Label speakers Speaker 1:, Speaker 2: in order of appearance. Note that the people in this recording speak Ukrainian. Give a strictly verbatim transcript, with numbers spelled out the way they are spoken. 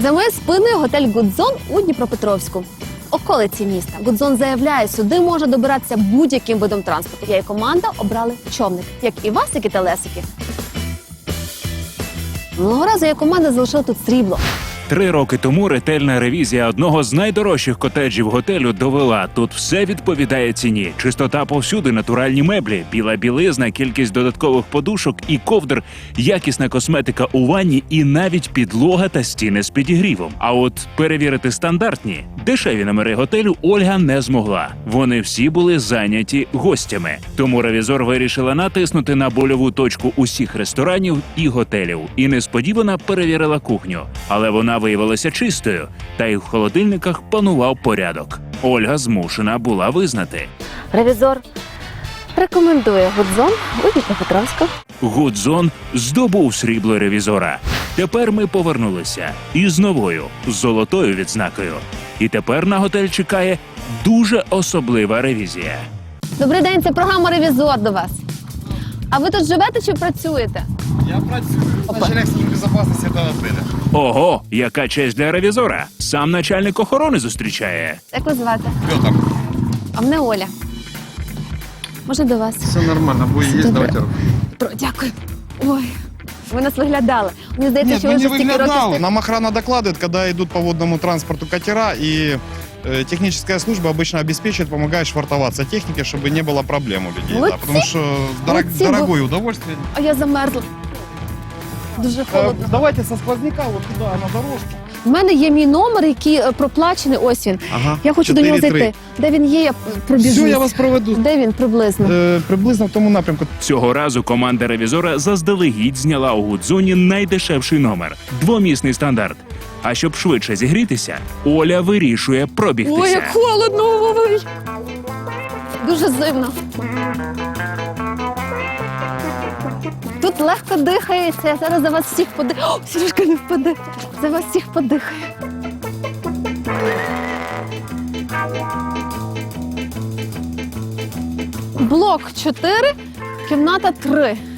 Speaker 1: За моєю спиною готель «Гудзон» у Дніпропетровську. Околиці міста. «Гудзон» заявляє, сюди може добиратися будь-яким видом транспорту. Я і команда обрали човник. Як і вас, як і телесики. Минулого разу я команда залишила тут срібло.
Speaker 2: Три роки тому ретельна ревізія одного з найдорожчих котеджів готелю довела, тут все відповідає ціні. Чистота повсюди, натуральні меблі, біла білизна, кількість додаткових подушок і ковдр, якісна косметика у ванні і навіть підлога та стіни з підігрівом. А от перевірити стандартні, дешеві номери готелю Ольга не змогла. Вони всі були зайняті гостями. Тому ревізор вирішила натиснути на больову точку усіх ресторанів і готелів. І несподівано перевірила кухню. Але вона виявилася чистою, та й в холодильниках панував порядок. Ольга змушена була визнати.
Speaker 1: Ревізор рекомендує «Гудзон» у Дніпропетровську.
Speaker 2: «Гудзон» здобув срібло ревізора. Тепер ми повернулися із новою, золотою відзнакою. І тепер на готель чекає дуже особлива ревізія.
Speaker 1: Добрий день, це програма «Ревізор» до вас. А ви тут живете чи працюєте?
Speaker 3: Я працюю. Начальник служби безопасности этого отеля.
Speaker 2: Ого, яка честь для ревізора! Сам начальник охорони зустрічає.
Speaker 1: Як ви звати?
Speaker 3: Петр.
Speaker 1: А мене Оля. Можна до вас?
Speaker 3: Все нормально, бо есть,
Speaker 1: Добре.
Speaker 3: давайте руку.
Speaker 1: Про, дякую. Ой, ви нас виглядали. Мені здається,
Speaker 3: Нет,
Speaker 1: що
Speaker 3: мы
Speaker 1: ви
Speaker 3: не
Speaker 1: вже стільки років...
Speaker 3: выглядал.
Speaker 1: стих-
Speaker 3: Нам охрана докладывает, когда идут по водному транспорту катера, и э, техническая служба обычно обеспечивает, помогает швартоваться технике, чтобы не было проблем у людей.
Speaker 1: Молодцы.
Speaker 3: Да, потому что дорог-
Speaker 1: Молодцы,
Speaker 3: дорогое удовольствие.
Speaker 1: А я замерзла. Дуже
Speaker 3: Э,
Speaker 1: холодно.
Speaker 3: давайте со сквозняка вот туда, на дорожку.
Speaker 1: В мене є мій номер, який е, проплачений. Ось він.
Speaker 3: Ага.
Speaker 1: Я хочу до нього
Speaker 3: чотири три.
Speaker 1: зайти. Де він є, я пробіжусь.
Speaker 3: Все, я вас проведу.
Speaker 1: Де він приблизно?
Speaker 3: Э, приблизно в тому напрямку.
Speaker 2: Цього разу команда ревізора заздалегідь зняла у «Гудзоні» найдешевший номер – двомісний стандарт. А щоб швидше зігрітися, Оля вирішує пробігтися.
Speaker 1: Ой, як холодно! Ой. Дуже зимно. Тут легко дихається. Я зараз за вас всіх подихаю. О, Сережка не впаде. За вас всіх подихаю. Блок чотири, кімната три.